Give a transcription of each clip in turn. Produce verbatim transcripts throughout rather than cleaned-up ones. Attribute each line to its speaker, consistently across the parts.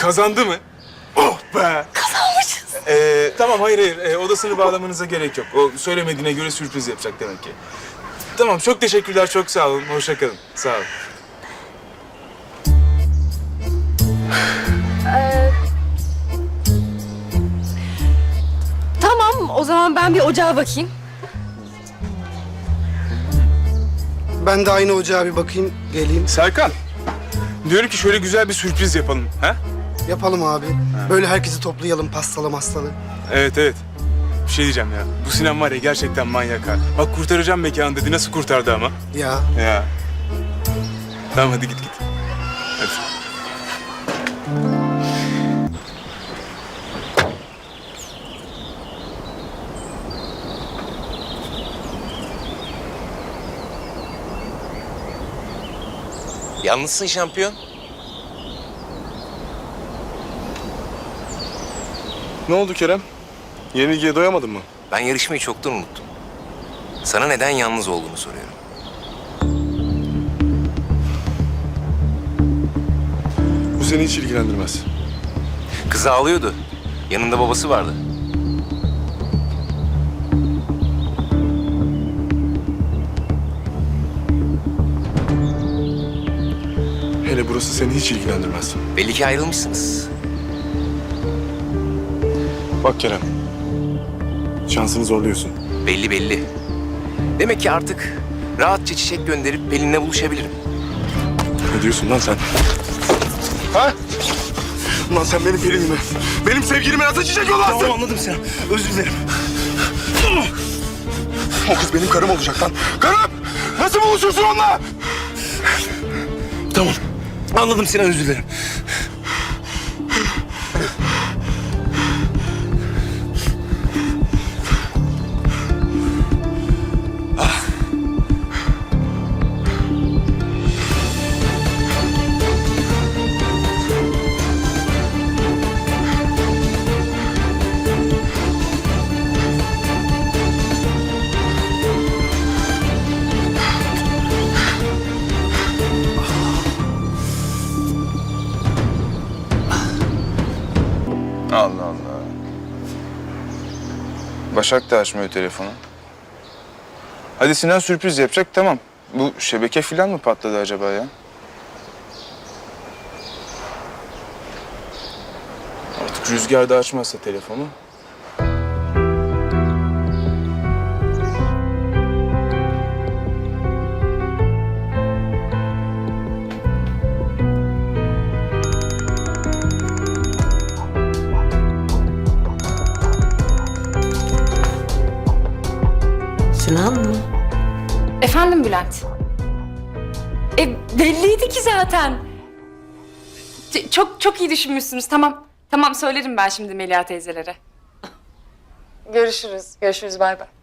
Speaker 1: Kazandı mı? Oh be!
Speaker 2: Kazanmışız.
Speaker 1: Ee, tamam, hayır hayır. Ee, odasını bağlamanıza gerek yok. O söylemediğine göre sürpriz yapacak demek ki. Tamam, çok teşekkürler, çok sağ olun. Hoşça kalın. Sağ olun.
Speaker 2: Tamam, o zaman ben bir ocağa bakayım.
Speaker 3: Ben de aynı ocağa bir bakayım, geleyim.
Speaker 1: Serkan, diyorum ki şöyle güzel bir sürpriz yapalım. Ha?
Speaker 3: Yapalım abi. Böyle herkesi toplayalım, pastalı mastalı.
Speaker 1: Evet evet. Bir şey diyeceğim ya. Bu Sinan var ya, gerçekten manyak ha. Bak, kurtaracağım mekanı dedi. Nasıl kurtardı ama?
Speaker 3: Ya.
Speaker 1: Ya. Tamam, hadi git git. Hadi.
Speaker 4: Yalnızsın şampiyon.
Speaker 1: Ne oldu Kerem? Yenilgiye doyamadın mı?
Speaker 4: Ben yarışmayı çoktan unuttum. Sana neden yalnız olduğunu soruyorum.
Speaker 1: Bu seni hiç ilgilendirmez.
Speaker 4: Kız ağlıyordu. Yanında babası vardı.
Speaker 1: Hele burası seni hiç ilgilendirmez.
Speaker 4: Belli ki ayrılmışsınız.
Speaker 1: Bak Kerem, şansını zorluyorsun.
Speaker 4: Belli belli. Demek ki artık rahatça çiçek gönderip Pelin'le buluşabilirim.
Speaker 1: Ne diyorsun lan sen? Ha? Ulan sen benim Pelin'imi, benim sevgilime nasıl çiçek yollarsın?
Speaker 4: Tamam, anladım Sinan. Özür dilerim.
Speaker 1: O kız benim karım olacak lan. Karım! Nasıl buluşursun onunla?
Speaker 4: Tamam. Anladım Sinan, özür dilerim.
Speaker 5: Allah Allah. Başak da açmıyor telefonu. Hadi Sinan sürpriz yapacak, tamam. Bu şebeke falan mı patladı acaba ya?
Speaker 1: Artık Rüzgar da açmazsa telefonu.
Speaker 6: Sinan mı?
Speaker 2: Efendim Bülent? E belliydi ki zaten. Ç- çok çok iyi düşünmüşsünüz. Tamam. Tamam, söylerim ben şimdi Melia teyzelere. Görüşürüz. Görüşürüz. Bay bay.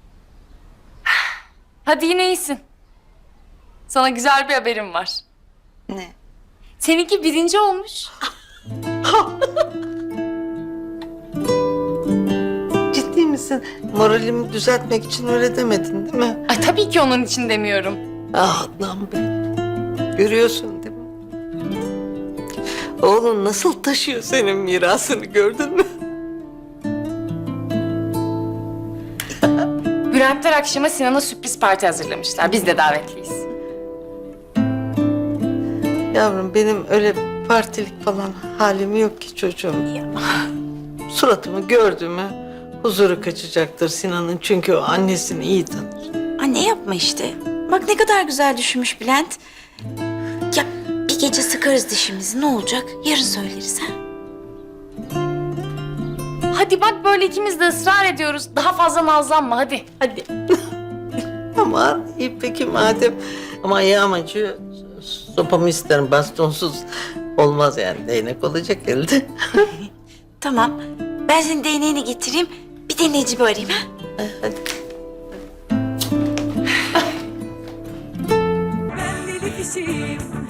Speaker 2: Hadi yine iyisin. Sana güzel bir haberim var.
Speaker 6: Ne?
Speaker 2: Seninki birinci olmuş.
Speaker 6: Ciddi misin? Moralimi düzeltmek için öyle demedin değil mi?
Speaker 2: Ay tabii ki onun için demiyorum.
Speaker 6: Ah Adnan Bey. Görüyorsun değil mi? Oğlun nasıl taşıyor senin mirasını, gördün mü?
Speaker 2: Bülentler akşama Sinan'a sürpriz parti hazırlamışlar. Biz de davetliyiz.
Speaker 6: Yavrum benim öyle partilik falan halim yok ki çocuğum. Suratımı gördü mü huzuru kaçacaktır Sinan'ın, çünkü o annesini iyi tanır.
Speaker 7: Anne yapma işte. Bak ne kadar güzel düşünmüş Bülent. Ya bir gece sıkarız dişimizi, ne olacak? Yarın söyleriz ha?
Speaker 2: Hadi bak, böyle ikimiz de ısrar ediyoruz. Daha fazla nazlanma hadi. Hadi.
Speaker 6: Aman iyi peki madem. Ama ayağım acıyor. Sopamı isterim, bastonsuz olmaz yani, değnek olacak elde.
Speaker 7: Tamam. Ben senin değneğini getireyim. Bir de Necip'i arayayım ha?
Speaker 6: Hadi.
Speaker 8: Ben deli kişiyim,